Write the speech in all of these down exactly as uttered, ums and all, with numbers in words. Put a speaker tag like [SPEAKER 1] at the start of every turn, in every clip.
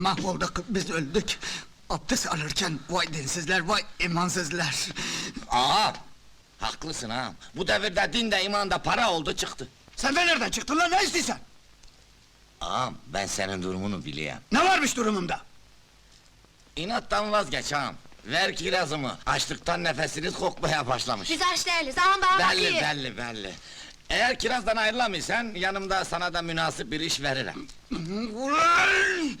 [SPEAKER 1] Mahvolduk, biz öldük. Abdest alırken vay dinsizler, vay imansızlar.
[SPEAKER 2] Ağam! Haklısın ağam. Bu devirde din de iman da para oldu çıktı.
[SPEAKER 1] Sen de nereden çıktın lan, ne istiyorsun?
[SPEAKER 2] Ağam, ben senin durumunu biliyorum.
[SPEAKER 1] Ne varmış durumumda?
[SPEAKER 2] İnattan vazgeç ağam. Ver kirazımı. Açlıktan nefesiniz kokmaya başlamış.
[SPEAKER 3] Biz aç değiliz, ağam bana
[SPEAKER 2] Belli,
[SPEAKER 3] bakıyor.
[SPEAKER 2] belli, belli. Eğer kirazdan ayrılamıyorsan, yanımda sana da münasip bir iş veririm.
[SPEAKER 1] Ulan!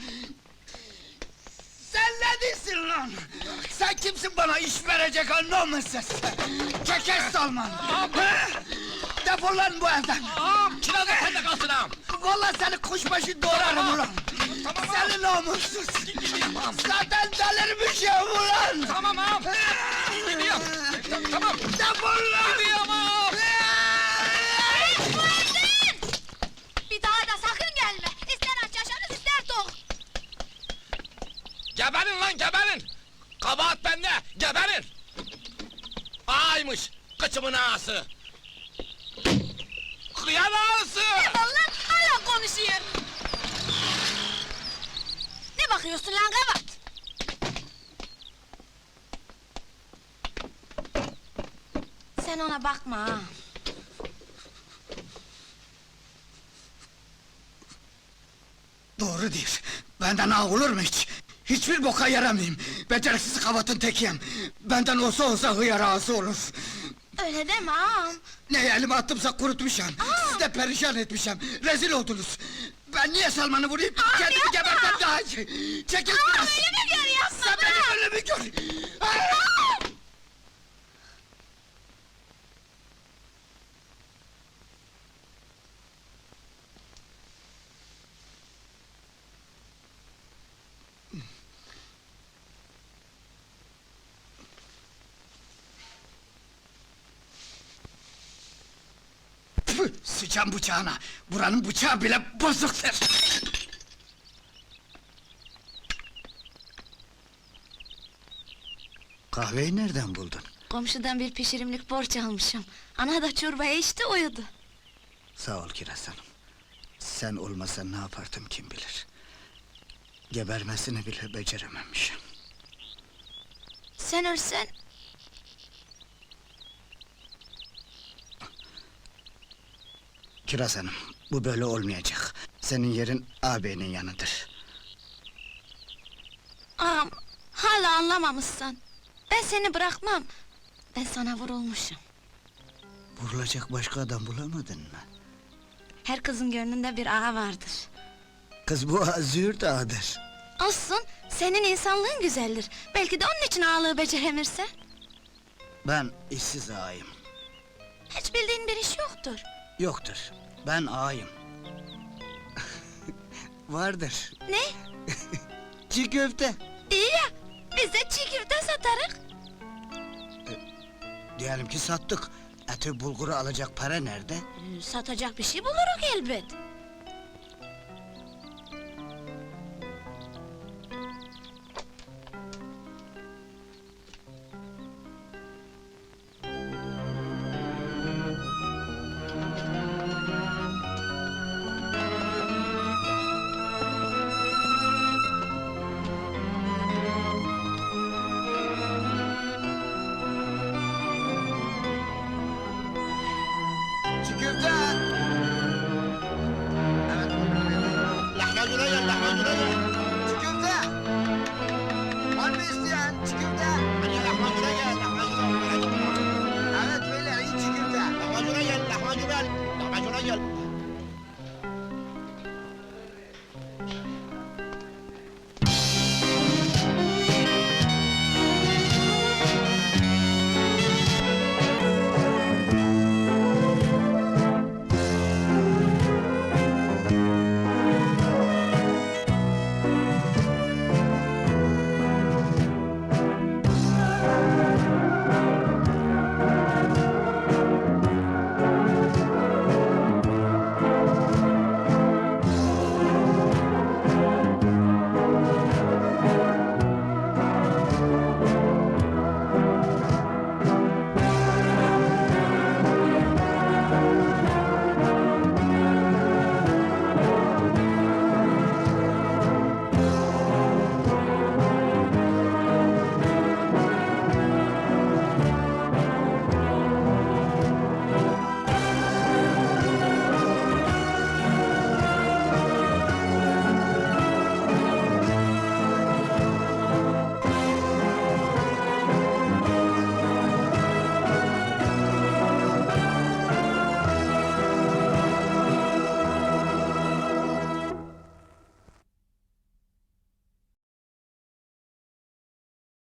[SPEAKER 1] Sen ne diyorsun lan? Sen kimsin bana iş verecek anlamışsın? Çekes Salman! Ha? Defol lan bu evden!
[SPEAKER 2] Ağam, kiraz da sende kalsın ağam!
[SPEAKER 1] Vallahi seni kuşbaşı doğrarım ulan! Seni namussuz! Zaten delirmişim ulan!
[SPEAKER 2] Tamam ağam! Gidiyorum! Tamam!
[SPEAKER 1] Defol lan!
[SPEAKER 2] Gidiyorum ağam!
[SPEAKER 3] Bir daha da sakın gelme! İster aç yaşarız, ister tok!
[SPEAKER 2] Geberin lan, geberin! Kabahat bende, geberin! Ağaymış, kıçımın ağası! Kıyan ağası!
[SPEAKER 3] Vallahi hala konuşuyor! Ne bakıyorsun lan kabat? Sen ona bakma ha!
[SPEAKER 1] Doğru diyor. Benden ağ olur mu hiç? Hiçbir boka yaramayayım. Beceriksiz kavatın tekiyim. Benden olsa olsa hıyar ağası olur.
[SPEAKER 3] Öyle deme ağam!
[SPEAKER 1] Ne elime attımsa kurutmuşum. Siz de perişan etmişim. Rezil oldunuz. Ben niye Salman'ı vurayım? Kendimi
[SPEAKER 3] yapma!
[SPEAKER 1] gebertem daha iyi. Çekil
[SPEAKER 3] Ağam
[SPEAKER 1] biraz.
[SPEAKER 3] ölümü gör yapma!
[SPEAKER 1] Sen
[SPEAKER 3] bırak!
[SPEAKER 1] benim ölümü gör. Ah!
[SPEAKER 3] Ağam!
[SPEAKER 1] Tüh, sıçan bıçağına. Buranın bıçağı bile bozuktur. Kahveyi nereden buldun?
[SPEAKER 3] Komşudan bir pişirimlik borç almışım. Ana da çorbayı içti, uyudu.
[SPEAKER 1] Sağ ol Kiraz Hanım. Sen olmasan ne yapardım kim bilir. Gebermesini bile becerememişim.
[SPEAKER 3] Sen ölsen...
[SPEAKER 1] Kiraz Hanım, bu böyle olmayacak. Senin yerin ağabeyinin yanıdır.
[SPEAKER 3] Ağam, hala anlamamışsın. Ben seni bırakmam. Ben sana vurulmuşum.
[SPEAKER 1] Vurulacak başka adam bulamadın mı?
[SPEAKER 3] Her kızın gönlünde bir ağa vardır.
[SPEAKER 1] Kız bu ağa züğürt ağadır.
[SPEAKER 3] Olsun, senin insanlığın güzeldir. Belki de onun için ağalığı beceremirse.
[SPEAKER 1] Ben işsiz ağayım.
[SPEAKER 3] Hiç bildiğin bir iş yoktur.
[SPEAKER 1] Yoktur, ben ağayım. Vardır.
[SPEAKER 3] Ne?
[SPEAKER 1] Çiğ köfte.
[SPEAKER 3] İyi ya, biz de çiğ köfte satarız.
[SPEAKER 1] Diyelim ki sattık. Eti bulguru alacak para nerede?
[SPEAKER 3] Ee, Satacak bir şey buluruz elbet.
[SPEAKER 1] Çiğ köfte! Evet. Lahmacuna gel, lahmacuna gel.